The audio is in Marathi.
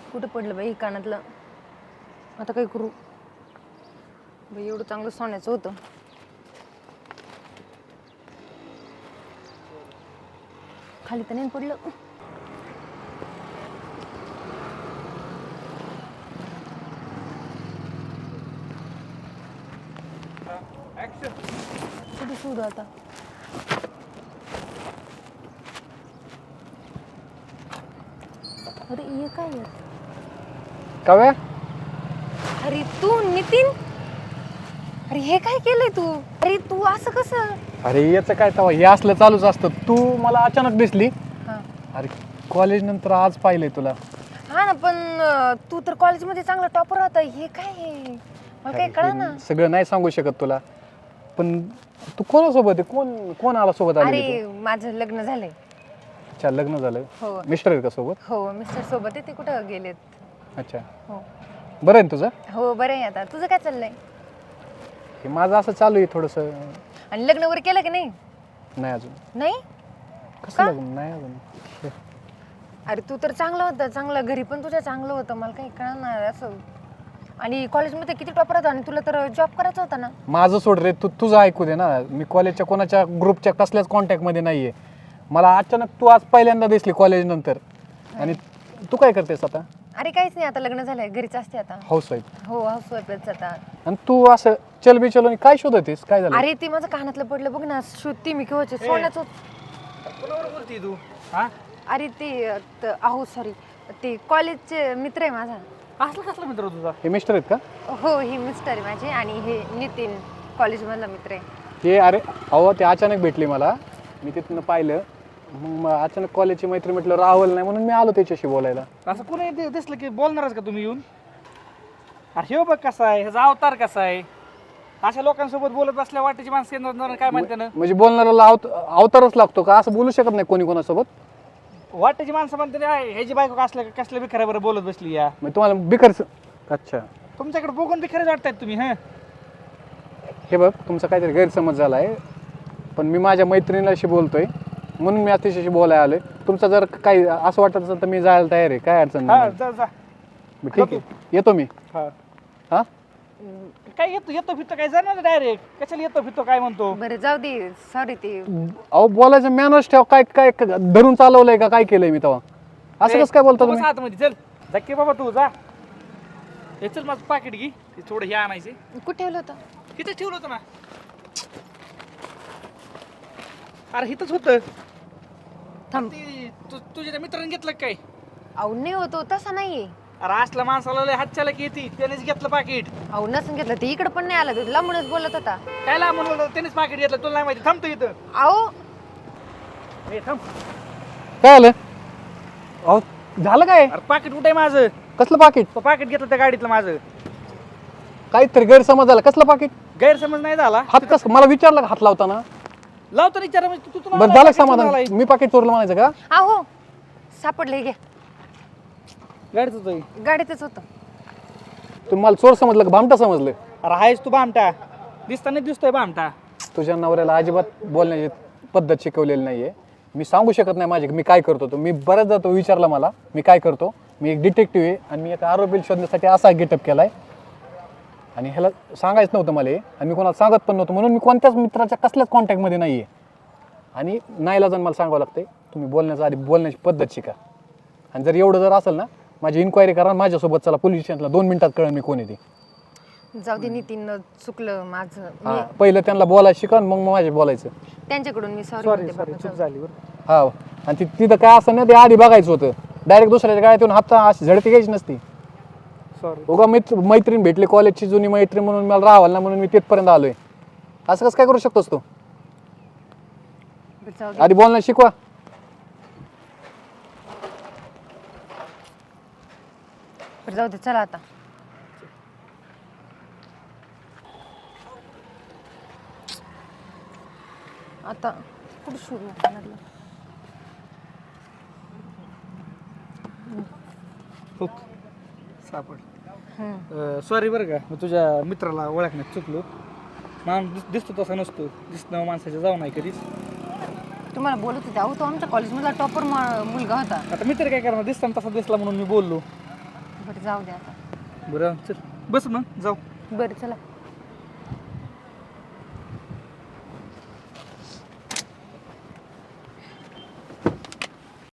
कुठं पडलं बाई कानातलं. आता काय करू बाई, एवढं चांगलं सोन्याचं होतं. खाली तर नाही पडलं. कुठे शोधू आता. अरे ये काय आहे? काव्या अरे तू नितीन, अरे हे काय केलंय तू? अरे तू असं कसं? अरे याचं काय तवा हे असलं चालूच असतं. तू मला अचानक दिसली. हा अरे कॉलेज नंतर आज पाहिलंय तुला. हा ना, पण तू तर कॉलेजमध्ये चांगला टॉपर होता. हे काय आहे? मला काही कळा ना. सगळं नाही सांगू शकत तुला, पण तू कोणासोबत आहे? कोण कोण आला सोबत आली अरे माझं लग्न झालंय. अच्छा लग्न झालं. हो मिस्टर आहेत का सोबत? हो, मिस्टर सोबत आहे. ते कुठं गेलेत? अच्छा हो बरं आहे ना तुझं? हो बरं आहे. आता तुझं काय चाललंय? हे माझं असं चालू आहे थोडंसं. आणि लग्न वगैरे केलं की नाही? नाही अजून. नाही. कसं का? लग्न नाही अजून. अरे तू तर चांगला होता, चांगलं घरी पण तुझ्या चांगलं होतं. मला काही कळणार असं. आणि कॉलेजमध्ये किती टॉपर होता आणि तुला तर जॉब करायचा होता ना. माझं सोड रे, तू तुझं ऐकू दे ना. मी कॉलेजच्या कोणाच्या ग्रुपच्या कसल्याच कॉन्टॅक्टमध्ये नाही आहे. मला अचानक तू आज पहिल्यांदा दिसली कॉलेज नंतर. आणि तू काय करतेस आता? अरे काहीच नाही, आता लग्न झालंय, घरीच असते आता. Housewife. हो हाऊस वाईफच आता. आणि तू असं चल बिचल काय शोधतेस? काय झालं? अरे ते माझं कानातलं पडलं बघ ना, शोधते मी केव्हाचे. सोन्याचं कोणावर बोलती तू? हा अरे ते अहो सॉरी, ते कॉलेजचे मित्र आहे माझा. असला कसला मित्र तुझा? हे मिस्टर आहेत का? हो हे मिस्टर आहे माझे, आणि हे नितीन कॉलेजमधला मित्र आहे. ते अरे अहो ते अचानक भेटली मला. मी तिथनं पाहिलं, मग अचानक कॉलेजची मैत्री म्हटलं राहुल नाही म्हणून मी आलो त्याच्याशी बोलायला. असं कोणी दिसलं की बोलणारच का तुम्ही येऊन? अरे हे बघ कसा आहे, ह्याचा अवतार कसा आहे. अशा लोकांसोबत बोलत बसल्या वाटेची माणसं येणार काय म्हणते ना. म्हणजे बोलणाऱ्याला अवतारच लागतो का? असं बोलू शकत नाही कोणी कोणासोबत. वाटेची माणसं म्हणते ना, ह्याची बायको कसल्या बिखऱ्या बरं बोलत बसली या. मग तुम्हाला बिकर. अच्छा तुमच्याकडे बघून बिखरेच वाटतायत तुम्ही. हा हे बघ, तुमचा काहीतरी गैरसमज झाला आहे. पण मी माझ्या मैत्रिणीशी बोलतोय म्हणून मी तिच्याशी बोलायला आलोय. तुमचं जर काही असं वाटत असेल तर मी जायला तयार आहे. काय अडचण हा नाही. जा जा. मग ठीक आहे, येतो मी. हा हा काय येतो फिरतो काय जाणार डायरेक्ट? कशाला येतो फिरतो काय म्हणतो? बरं जाऊ दे, सॉरी. ते अहो बोलायचं मॅनर्स ठेव. काय काय धरून चालवलंय का? काय केलंय मी तेव्हा? असं कसं काय बोलतो तू तुम्ही? बस आतमध्ये चल. धक्के बाबा तू जा. हे चल माझं पाकिट घे. ते थोडं हे आणायचे. कुठे ठेवलं होतं? इथंच ठेवलं होतं ना. अरे इथंच होतं. थांब. तुझ्या त्या मित्राने घेतलं का काय? अहो नाही होतो, तसा नाहीये. अरे असला माणसाला लय हातच्याला की येते, त्यानेच घेतलं पाकिट. अहो नसून घेतलं, ते इकडे पण नाही आला. तो लांबूनच बोलत होता. काय ला म्हणून त्यानेच पाकिट घेतलं, तुला नाही माहिती. थांबतो इथं. अहो ए थांब. काय आलं? अहो झालं काय? अरे पाकिट कुठे आहे माझं? कसलं पाकिट? तो पाकिट घेतलं त्या गाडीतलं माझं. काहीतरी गैरसमज झाला. कसलं पाकिट? गैरसमज नाही झाला. हात कसं मला विचारलं का हात लावताना? लावतो विचार तू तुला बरं झालं का समाधान? मी पाकिट चोरलं म्हणायचं का? अहो सापडले, घ्या. गाडीच होतं. गाडीतच होतं. तुम्ही मला चोर समजलं का भामटा समजलं? अरे आहेस तू बामटा. दिसताना दिसतोय बामटा. तुझ्या नवऱ्याला अजिबात बोलण्याची पद्धत शिकवलेली नाहीये. मी सांगू शकत नाही माझे मी काय करतो. तो मी बऱ्याचदा तो विचारला मला मी काय करतो. मी एक डिटेक्टिव्ह आहे आणि मी एका आरोपीला शोधण्यासाठी असा गेटअप केलाय. आणि ह्याला सांगायचं नव्हतं मला, आणि मी कोणाला सांगत पण नव्हतं. म्हणून मी कोणत्याच मित्राच्या कसल्याच कॉन्टॅक्टमध्ये नाही आहे. आणि नाईलाजाने मला सांगावं लागतंय तुम्ही बोलण्याच्या आधी बोलण्याची पद्धत शिका. आणि जर एवढं जर असेल ना, माझी इन्क्वायरी करा. माझ्यासोबत चला पोलीस स्टेशनला. 2 मिनिटात कळेल मी कोण आहे ते. जाऊ दे नितीन, चुकलं माझं. हा पहिलं त्यांना बोलायला शिका, मग माझे बोलायचं. त्यांच्याकडून मी सॉरी सॉरी म्हणते सॉरी बाबा. चूक झाली बरं. हा आणि तिथं काय असं ना, ते आधी बघायचं होतं. डायरेक्ट दुसऱ्याच्या गाड्यात येऊन हात अशी झडती घ्यायची नसती. सॉरी. उगा मैत्रीण भेटली कॉलेजची जुनी मैत्रीण म्हणून मला राहावं ना, म्हणून मी तिथपर्यंत आलोय. असं कसं काय करू शकतोस तू? जाऊ दे. आधी बोलणं शिकवा. बरं जाऊ दे, चला आता. आता कुठं शोधू कानातलं? हुक सापड. सॉरी बरं का, मी तुझ्या मित्राला ओळखण्यात चुकलो. माणूस दिसतो तसा नसतो. दिसणं माणसाच्या जाऊ नाही कधीच. तुम्हाला बोलत होते. अहो तो आमच्या कॉलेजमधला टॉपर मुलगा होता. आता मित्र काय करणार? दिसताना तसा दिसला म्हणून मी बोललो. बरं जाऊ दे आता. बरं चल बस मग जाऊ. बरं चला.